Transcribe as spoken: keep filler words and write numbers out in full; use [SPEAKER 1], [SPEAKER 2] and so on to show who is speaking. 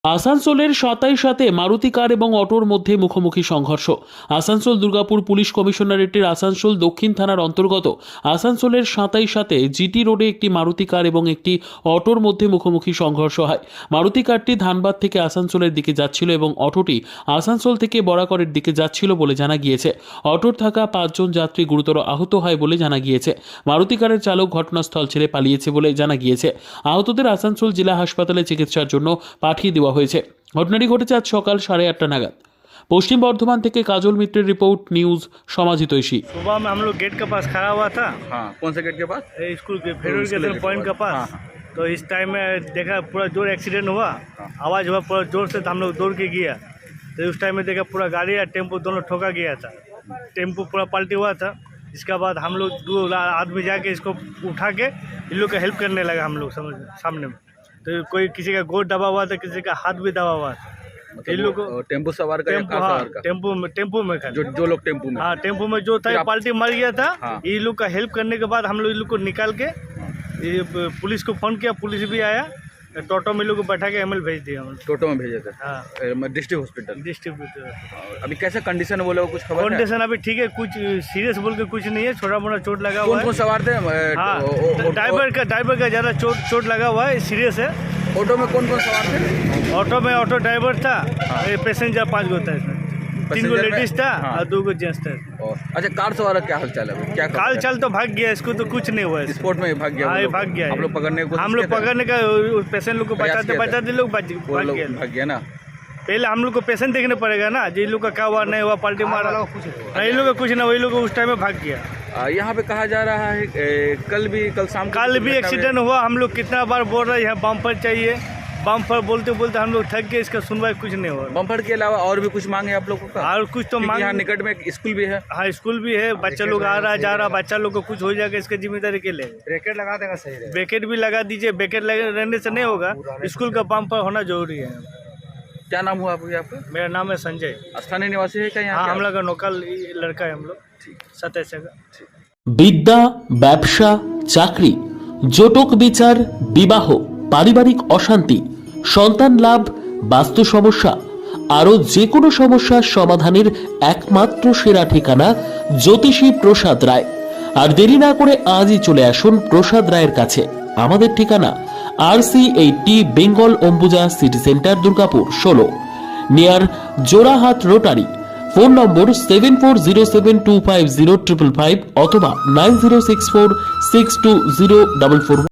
[SPEAKER 1] আসানসোলের সাতাই সাথে মারুতি কার এবং অটোর মধ্যে মুখোমুখি সংঘর্ষ। আসানসোল দুর্গাপুর পুলিশ কমিশনারেটের আসানসোল দক্ষিণ থানার অন্তর্গত আসানসোলের সাতাই সাথে জিটি রোডে একটি মারুতি কার এবং একটি অটোর মধ্যে মুখোমুখি সংঘর্ষ হয়। মারুতি কারটি ধানবাদ থেকে আসানসোলের দিকে যাচ্ছিল এবং অটোটি আসানসোল থেকে বরাকরের দিকে যাচ্ছিল বলে জানা গিয়েছে। অটোর থাকা পাঁচজন যাত্রী গুরুতর আহত হয় বলে জানা গিয়েছে। মারুতি কারের চালক ঘটনাস্থল ছেড়ে পালিয়েছে বলে জানা গিয়েছে। আহতদের আসানসোল জেলা হাসপাতালে চিকিৎসার জন্য পাঠিয়ে দেওয়া হয়েছে। ঘটনাটি ঘটেছে আজ সকাল সাড়ে আটটা নাগাদ। पश्चिम बर्धमान থেকে কাজল মিত্রের रिपोर्ट न्यूज समाजितोषी।
[SPEAKER 2] सुबह में हम लोग गेट के पास खड़ा हुआ था।
[SPEAKER 3] हाँ, कौन से गेट के पास?
[SPEAKER 2] ए, स्कूल के फेडरल के पॉइंट के पास।
[SPEAKER 3] हाँ, हाँ।
[SPEAKER 2] तो इस टाइम में देखा पूरा जोर एक्सीडेंट हुआ।
[SPEAKER 3] हाँ।
[SPEAKER 2] आवाज़ हुआ पूरा जोर से, तो हम लोग दौड़ के गया। तो उस टाइम में देखा पूरा गाड़ी और टेम्पो दोनों ठोका गया था। टेम्पो पूरा पलटी हुआ था। इसके बाद हम लोग दो आदमी जाके इसको उठा के इन लोग का हेल्प करने लगा। हम लोग समझ सामने में तो कोई किसी का गोद दबा हुआ था, किसी का हाथ भी दबा हुआ था।
[SPEAKER 3] मतलब
[SPEAKER 2] इन लोग को
[SPEAKER 3] टेम्पो सवार का या
[SPEAKER 2] टेम्पो
[SPEAKER 3] कार
[SPEAKER 2] हाँ
[SPEAKER 3] सवार का?
[SPEAKER 2] टेम्पो में टेम्पो में खड़े।
[SPEAKER 3] जो जो लोग टेम्पो में
[SPEAKER 2] हाँ टेम्पो में जो था
[SPEAKER 3] फिर आप-
[SPEAKER 2] पाल्टी मर गया था।
[SPEAKER 3] हाँ।
[SPEAKER 2] ये लोग का हेल्प करने के बाद हम लोग इन लोग को निकाल के ये पुलिस को फोन किया, पुलिस भी आया। टोटो में लोग को बैठा के एमएल भेज दिया हम लोग।
[SPEAKER 3] टोटो में भेजे थे
[SPEAKER 2] हाँ
[SPEAKER 3] डिस्ट्रिक्ट हॉस्पिटल।
[SPEAKER 2] डिस्ट्रीब्यूटर
[SPEAKER 3] अभी कैसे कंडीशन है, वो लोग कुछ खबर है?
[SPEAKER 2] कंडीशन अभी ठीक है, कुछ सीरियस बोल के कुछ नहीं है, छोटा मोटा चोट लगा
[SPEAKER 3] कौन
[SPEAKER 2] हुआ
[SPEAKER 3] कौन
[SPEAKER 2] है।
[SPEAKER 3] सवार थे?
[SPEAKER 2] हाँ
[SPEAKER 3] ओ- ओ- ओ-
[SPEAKER 2] ड्राइवर का ड्राइवर का ज़्यादा चोट चोट लगा हुआ है, सीरियस है।
[SPEAKER 3] ऑटो में कौन कौन सवार थे?
[SPEAKER 2] ऑटो में ऑटो ड्राइवर था, पैसेंजर पाँच गो था इसमें, तीन गो
[SPEAKER 3] पैसेंजर में-
[SPEAKER 2] लेडीज था
[SPEAKER 3] हाँ।
[SPEAKER 2] और दो गो जेंट्स था।
[SPEAKER 3] और अच्छा, कार सवार का क्या हाल चाल है अभी? क्या
[SPEAKER 2] काल चल तो भाग गया, इसको तो कुछ नहीं हुआ है।
[SPEAKER 3] स्पोर्ट में ही भाग गया वो
[SPEAKER 2] हाँ ये
[SPEAKER 3] लोग?
[SPEAKER 2] भाग गया है।
[SPEAKER 3] आप लोग पकड़ने की कोशिश
[SPEAKER 2] हम लोग
[SPEAKER 3] किए थे?
[SPEAKER 2] पकड़ने का पेशेंट लोग को
[SPEAKER 3] प्रयास
[SPEAKER 2] बचाते
[SPEAKER 3] किए थे?
[SPEAKER 2] बचाते लोग भाग
[SPEAKER 3] वो
[SPEAKER 2] भाग
[SPEAKER 3] लोग
[SPEAKER 2] गए।
[SPEAKER 3] भाग गया ना।
[SPEAKER 2] पहले हम लोग को पेशेंट देखने पड़ेगा ना, जी लोग का क्या हुआ नहीं हुआ, पार्टी मारा नहीं, लोग का कुछ ना, वही लोग उस टाइम में भाग गया।
[SPEAKER 3] आ, यहाँ पे कहा जा रहा है ए, कल भी कल शाम को
[SPEAKER 2] कल भी
[SPEAKER 3] दुर्घटना
[SPEAKER 2] एक्सीडेंट हुआ। हम लोग कितना बार बोल रहे हैं यहाँ बम्पर चाहिए, बम्पर बोलते बोलते हम लोग थक गए, इसका सुनवाई कुछ नहीं हुआ।
[SPEAKER 3] बम्पर के अलावा और भी कुछ मांगे आप लोगों का?
[SPEAKER 2] और कुछ तो
[SPEAKER 3] क्योंकि
[SPEAKER 2] मांग,
[SPEAKER 3] यहाँ निकट में एक स्कूल भी है।
[SPEAKER 2] हाँ स्कूल भी है, बच्चा लोग आ रहा जा रहा, बच्चा लोग को कुछ हो जाएगा, इसका जिम्मेदारी के लिए
[SPEAKER 3] ब्रेकेट लगा देगा सही है।
[SPEAKER 2] ब्रेकेट भी लगा दीजिए। ब्रेकेट रहने से नहीं होगा, स्कूल का बम्पर होना जरूरी है।
[SPEAKER 3] क्या नाम हुआ आपको आपका?
[SPEAKER 2] मेरा नाम है संजय।
[SPEAKER 3] स्थानीय निवासी है क्या यहाँ
[SPEAKER 2] हाँ
[SPEAKER 3] के
[SPEAKER 2] हम
[SPEAKER 3] आप?
[SPEAKER 2] लोग का लोकल लड़का है, हम लोग सत्ताईस का।
[SPEAKER 1] বিদ্যা, ব্যবসা, চাকরি, জটক বিচার, বিবাহ, পারিবারিক অশান্তি, সন্তান লাভ, বাস্তু সমস্যা, আরও যে কোনো সমস্যার সমাধানের একমাত্র সেরা ঠিকানা জ্যোতিষী প্রসাদ রায়। আর দেরি না করে আজই চলে আসুন প্রসাদ রায়ের কাছে। আমাদের ঠিকানা R C eighty Bengal Ambuja city centre, Durgapur ষোলো, near Jorahat rotary. Phone number seven four zero seven two five zero triple five অথবা nine zero six four six two zero double four.